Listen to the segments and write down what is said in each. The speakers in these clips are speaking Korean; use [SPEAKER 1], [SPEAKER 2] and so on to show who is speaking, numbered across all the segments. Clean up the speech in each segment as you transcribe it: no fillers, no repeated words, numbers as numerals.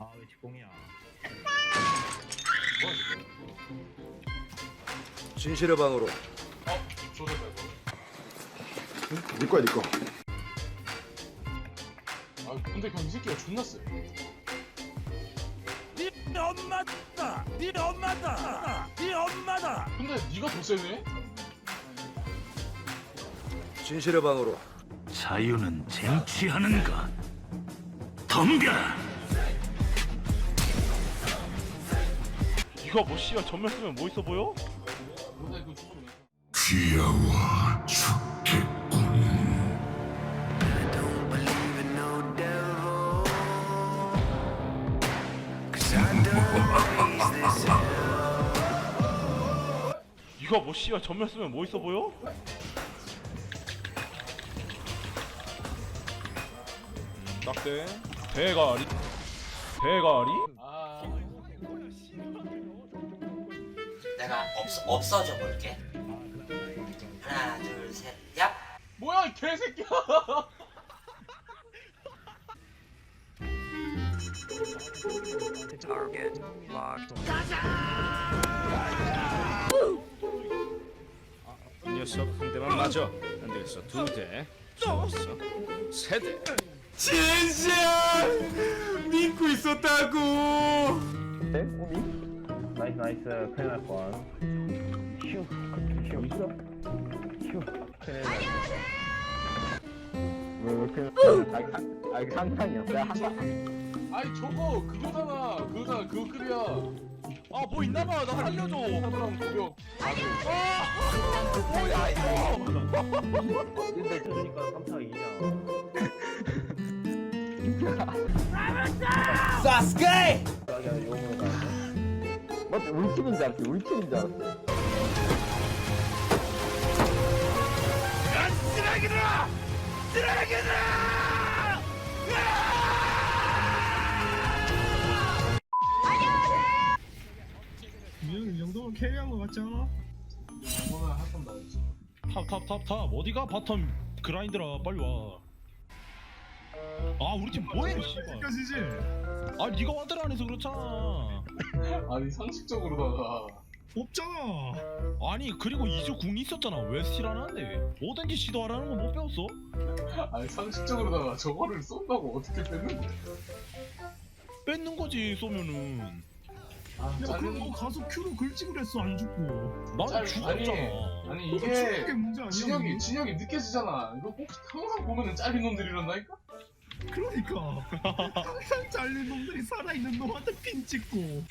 [SPEAKER 1] 아 왜 직공이야?
[SPEAKER 2] 진실의 방으로.
[SPEAKER 3] 조졌다 이거.
[SPEAKER 2] 네 거야 네 거.
[SPEAKER 3] 아 근데 그냥 이 새끼가 존나 세.
[SPEAKER 1] 네 엄마다! 네 엄마다! 네 엄마다!
[SPEAKER 3] 근데 네가 더 세네?
[SPEAKER 2] 진실의 방으로.
[SPEAKER 4] 자유는 쟁취하는가? 덤벼라!
[SPEAKER 1] 이거 뭐 씨발 전면 쓰면 뭐 있어 보여?
[SPEAKER 3] 근데 이거 죽으면
[SPEAKER 4] 귀여워 죽겠군.
[SPEAKER 1] 이거 뭐 씨발 전면 쓰면 뭐 있어 보여? 딱대 대가리 대가리
[SPEAKER 3] 아
[SPEAKER 5] 내가 없어져 볼게. 하나, 둘, 셋, 얍.
[SPEAKER 3] 뭐야 이 개새끼야.
[SPEAKER 6] 이 녀석 한 대만 맞아. 안 되겠어. 두 대. 좋았어. 세 대.
[SPEAKER 7] 진짜 믿고 있었다고.
[SPEAKER 1] 나이스 나이스 큰일 날 뻔. 휴 있어? 휴 큰일 날 뻔. 상상이야. 내가 한
[SPEAKER 3] 아니 저거 그거잖아 그거 급이야.
[SPEAKER 1] 아뭐 있나봐 나 살려줘.
[SPEAKER 3] 사람 고병.
[SPEAKER 1] 근데 그러니까 3타 이냐.
[SPEAKER 7] 사스케.
[SPEAKER 1] 용으로 가야 맞지? 우리 팀인 줄 알았지. 우리 팀인 줄 알았지.
[SPEAKER 7] 이 정도면 캐리한 거 맞지 않아?
[SPEAKER 3] 이거는 한번 나오지.
[SPEAKER 1] 탑 어디가 바텀 그라인드라 빨리 와. 아 우리 팀 뭐해 씨발.
[SPEAKER 7] 끝이지.
[SPEAKER 1] 아 니가 와드를 안 해서 그렇잖아.
[SPEAKER 3] 아니 상식적으로다가
[SPEAKER 7] 없잖아.
[SPEAKER 1] 아니 그리고 이주 궁이 있었잖아. 왜 스틸 안 하는데? 뭐든지 시도하라는 거 못 배웠어?
[SPEAKER 3] 아니 상식적으로다가 저거를 쏜다고 어떻게 뺏는 거야?
[SPEAKER 1] 뺏는 거지 쏘면은.
[SPEAKER 3] 아
[SPEAKER 7] 야 그럼
[SPEAKER 3] 짜증.
[SPEAKER 7] 너 가서 큐로 글찍을 했어 안 죽고.
[SPEAKER 1] 나는
[SPEAKER 3] 아니
[SPEAKER 1] 죽었잖아.
[SPEAKER 3] 아니
[SPEAKER 7] 죽는 게
[SPEAKER 3] 이게
[SPEAKER 7] 문제 아니야.
[SPEAKER 3] 진혁이 느껴지잖아. 이거 꼭 항상 보면은 잘린 놈들이란다니까?
[SPEAKER 7] 그러니까 항상 잘린 놈들이 살아있는 놈한테 핀 찍고.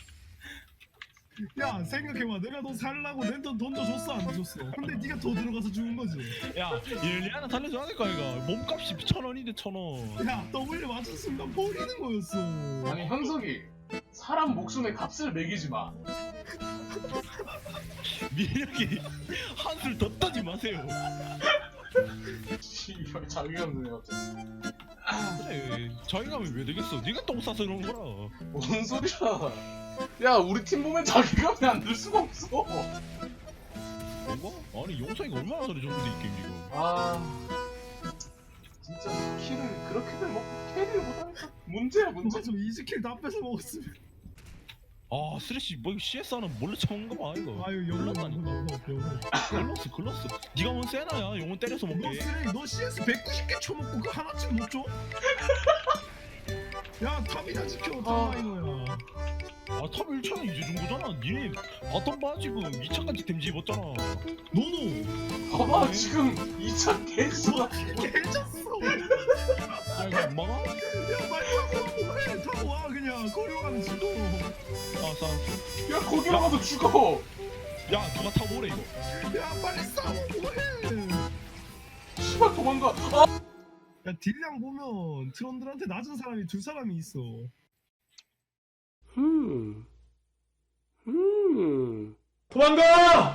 [SPEAKER 7] 야 생각해봐, 내가 너 살라고 랜턴 던져줬어 안 줬어? 근데 네가 더 들어가서 죽은 거지.
[SPEAKER 1] 야 일리아나 살려줘야 될 거 아이가. 몸값이 1,000원인데 1,000원.
[SPEAKER 7] 야 W 맞은 순간 버리는 거였어.
[SPEAKER 3] 아니 현석이 사람 목숨에 값을 매기지 마.
[SPEAKER 1] 민혁이 한술 더 떠지 마세요.
[SPEAKER 3] 씨발 자기가 드네 갑자기.
[SPEAKER 1] 그래 자기감이 왜 되겠어. 네가 똥 싸서 그런 거라.
[SPEAKER 3] 뭔 소리야? 야 우리 팀 보면 자기감이 안 들 수가 없어.
[SPEAKER 1] 뭔가? 아니 용성이가 얼마나 잘해 저런데 이 게임 지금.
[SPEAKER 3] 아 진짜 키를 그렇게들 먹고 캐리를 못하니까 문제야 문제.
[SPEAKER 7] 맞아, 이즈킬 다 뺏어 먹었으면.
[SPEAKER 1] 아 쓰레쉬 뭐 이거 CS 하는 몰래 쳐먹은 거 봐 이거.
[SPEAKER 7] 아유 영롱
[SPEAKER 1] 글렀다니까. 글렀어. 네가 뭔 세나야. 용은 때려서
[SPEAKER 7] 너
[SPEAKER 1] 먹게.
[SPEAKER 7] 쓰레기, 너 CS 190개 쳐먹고 그 하나쯤 못 줘? 야 탑이나 지켜, 탑라이너야.
[SPEAKER 1] 아 탑 1차는 이제 준 거잖아. 니네 바텀 봐 지금 2차까지 댐지 입었잖아.
[SPEAKER 7] 너도
[SPEAKER 3] 봐봐 지금 2차 개수가
[SPEAKER 7] 개졌어.
[SPEAKER 1] 야 이거 안 막아?
[SPEAKER 7] 야 말고 해, 타고 와 그냥 거리와는 지도.
[SPEAKER 1] 알았어.
[SPEAKER 3] 야 거기로 가도 죽어.
[SPEAKER 1] 야 누가 타고 오래 이거.
[SPEAKER 7] 야 빨리 싸우고 해.
[SPEAKER 3] 씨발 도망가. 아!
[SPEAKER 7] 야 딜량 보면 트런들한테 낮은 사람이 두 사람이 있어. 도망가!